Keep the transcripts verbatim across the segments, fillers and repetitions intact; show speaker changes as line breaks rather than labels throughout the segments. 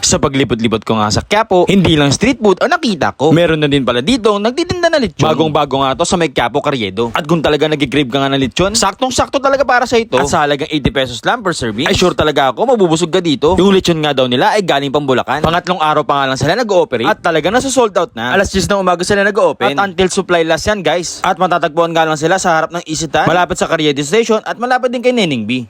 Sa paglipot-lipot ko nga sa Quiapo, hindi lang street food ang nakita ko. Meron na din pala dito nagtitinda na lechon. Bagong-bago nga to sa may Quiapo Carriedo. At kung talaga nag-grave ka nga ng lechon, saktong-sakto talaga para sa ito. At sa halagang eighty pesos lang per serving, ay sure talaga ako mabubusog ka dito. Yung lechon nga daw nila ay galing pang Bulacan. Pangatlong araw pa nga lang sila nag-ooperate at talaga nasa-sold out na. Alas diyes ng umaga sila nag-open at until supply last yan, guys. At matatagpuan nga lang sila sa harap ng Isitan, malapit sa Carriedo Station at malapit din kay Neneng B.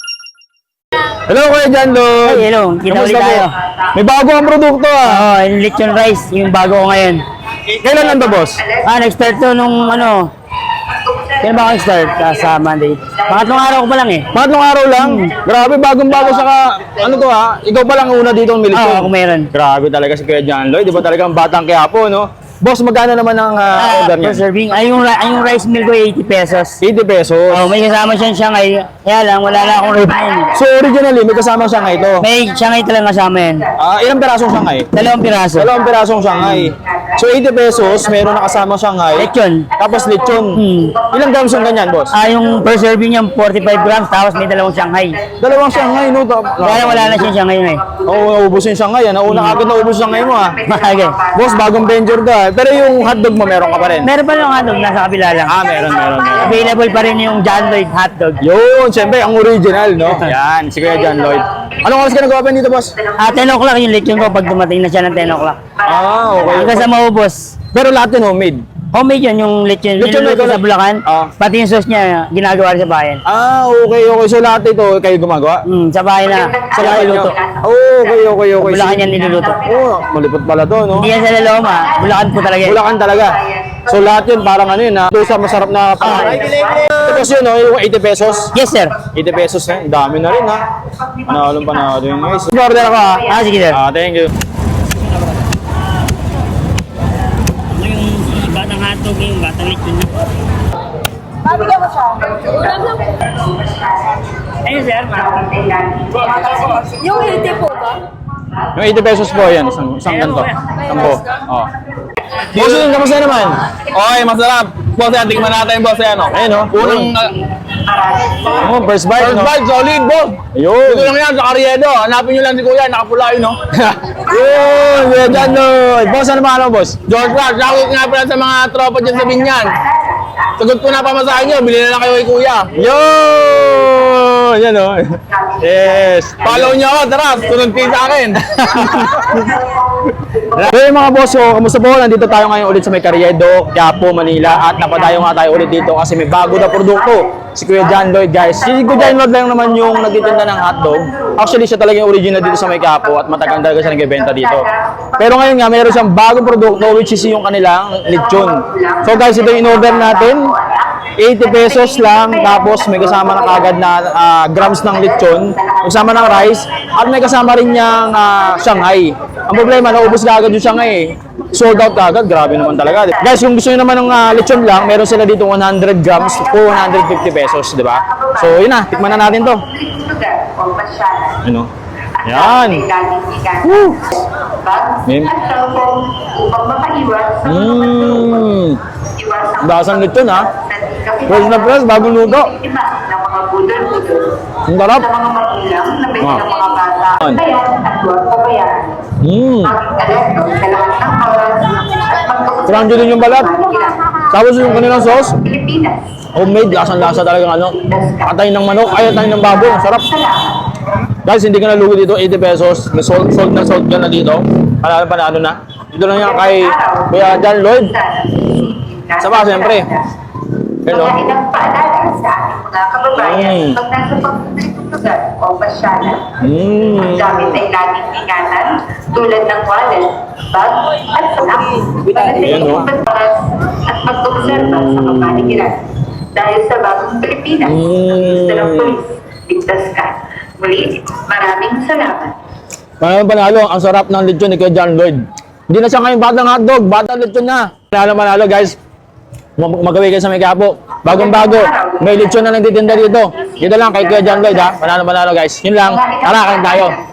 Hello, Kuya John Lloyd.
Ay, hello. Kita
Kamusta
ulit tayo.
po? May bago ang produkto ah.
Oo, yung lechon rice, yung bago ko ngayon.
Kailan lang ba, boss?
Ah, nag-start to nung ano, kailan ba ako nag-start? Ah, sa Monday. Pangatlong araw ko pa lang eh.
Pangatlong araw lang. Grabe, bagong-bago saka, ano to ha? Ikaw pa lang ang una dito ang
Oo,
military.
ako meron.
Grabe talaga si Kuya John Lloyd. Di ba talagang batang Quiapo, no? Boss, magkano naman ang uh,
Ah,
order
per
niya?
serving. Ay, yung, ri- ay, yung rice meal ko eighty pesos.
eighty pesos.
Oh, may kasama siyang Shanghai. Kaya lang, wala na akong refine.
So, originally, may kasama siyang ito.
May Shanghai talagang kasama yan.
Ah, ilang pirasong Shanghai?
Dalawang piraso.
Dalawang pirasong Shanghai. So, eighty pesos, meron na kasama Shanghai.
Lechon.
Tapos lechon.
Hmm.
Ilang grams yung ganyan, boss?
Ah, yung per serving niya forty-five grams, tapos may dalawang Shanghai.
Dalawang Shanghai, no? Ta-
Kaya lang, wala na siyang Shanghai na eh.
Oo, naubos yung Shanghai. Ah. Nauna agad naubos yung Shanghai mo, ah.
Okay.
Boss, bagong venture ka. Pero yung hotdog mo, meron ka pa rin.
Meron pa lang hotdog, nasa kabila lang.
Ah, meron, meron, meron.
Available pa rin yung John Lloyd hotdog.
Yun, siyempre, ang original, no? Yan, si Kuya John Lloyd. Anong oras ka nag-open dito, boss?
Ah, ten o'clock yung lechon ko pag dumating na siya ng ten o'clock.
Ah, okay.
Hanggang sa maubos.
Pero lahat yun homemade.
Homemade yun, yung lechon.
Lechon
Lechon
na
sa Bulacan.
Ah.
Pati yung sauce niya, ginagawa rin sa bayan.
Ah, okay, okay. So lahat ito, kayo gumagawa?
Hmm, sa bahay na. Sa bahay luto.
Oh, okay, okay, okay.
Bulacan yan niluluto.
Oh, malipot pala to, no?
Hindi yan sa Laloma, Bulacan po talaga yan.
Bulacan talaga. So lahat yun, parang ano yun, ha? Ito sa masarap na pakain. Tapos yun, no? Yung eighty pesos.
Yes, sir.
eighty pesos, eh. Ang dami na rin, ha? Panalong panalo yun, guys. Order ako, ha?
Ah, sige, sir.
Ah, thank you.
Yung batang hotdog, yung batang lechon na. Ayun, sir.
Yung eighty po ba?
Yung eighty pesos po, yan. Isang, isang ganito. Sampo. Oh. Boss, yun, kamusta naman?
Okay, masarap. Boss, yan, tingnan natin, boss, yan, oh.
Ayun, oh.
Unang, uh,
Oh, first bite,
first
no?
bite, solid, boss.
Ayun.
Dito lang yan, sa Carriedo. Hanapin nyo lang si Kuya, nakapula yun, no?
Yun, Kuya John Lloyd. Boss, ano pangalan mo, boss?
George Clark, shoutout nga pala sa mga tropa dyan sa Binyan. Sagot ko na pamasahin nyo, bilhin na lang kayo kay Kuya.
Yun! Yan, oh. Yes.
Follow nyo ako, tara, sunod kayo sa akin.
Hey mga boss, so, kamusta po? Nandito tayo ngayon ulit sa may Carriedo, Quiapo, Manila. At napadayo nga tayo ulit dito kasi may bago na produkto. Si Kuya John Lloyd, guys. Si Kuya John Lloyd lang naman yung nagtitinda ng hotdog. Actually, siya talaga yung original dito sa may Quiapo at matagal talaga siya nagbebenta dito. Pero ngayon nga, mayroon siyang bagong produkto which is yung kanilang lechon. So guys, ito yung in-order natin. eighty pesos lang, tapos may kasama na kagad na uh, grams ng lechon, kasama ng rice, at may kasama rin niyang uh, Shanghai. Ang problema, naubos na agad yung Shanghai. Sold out agad, grabe naman talaga. Guys, kung gusto niyo naman ng uh, lechon lang, meron sila dito one hundred grams for one hundred fifty pesos, di ba? So, yun na, tikman na natin to. Ano? Yan. Woo! Mim. Mmm. Dasang lechon, ha? Fresh na fresh, bagong luto. Ang sarap. Mmm. Crunchy din yung balat. Tapos yung kanilang sauce, homemade, lasang-lasa talaga ano. Atay ng manok, ay atay ng baboy, ang sarap. Guys, hindi ka nalugo dito, eighty pesos. May sold, sold na sold ka na dito. Panalo panalo na. Dito lang yan kay Kuya John Lloyd. Sama, siyempre. Hello.
Magandang paalala sa ating mga kababayan,
Mm.
pag nasa pagpapalitong lugar o pasyalan,
Mm.
ang gamit ay laging ingatan tulad ng wallet, bag, at sanak. Para sa
Ayan,
iyong
oh.
pagbakas at pag-obserba sa kapaligiran. Dahil sa bagong Pilipinas,
Mm.
ang gusto ng polis, ligtas ka. Muli, maraming salamat.
Panalo panalo, ang sarap ng lechon ni Kuya John Lloyd. Hindi na siya ngayon batang hotdog, batang lechon na. Panalo panalo guys. Mag- Magawin kayo sa may Quiapo. Bagong-bago. May lechon na nagtitinda dito. Dito lang kay Kuya John Lloyd, ha. Panalo panalo guys. Yun lang. Tara, kain tayo.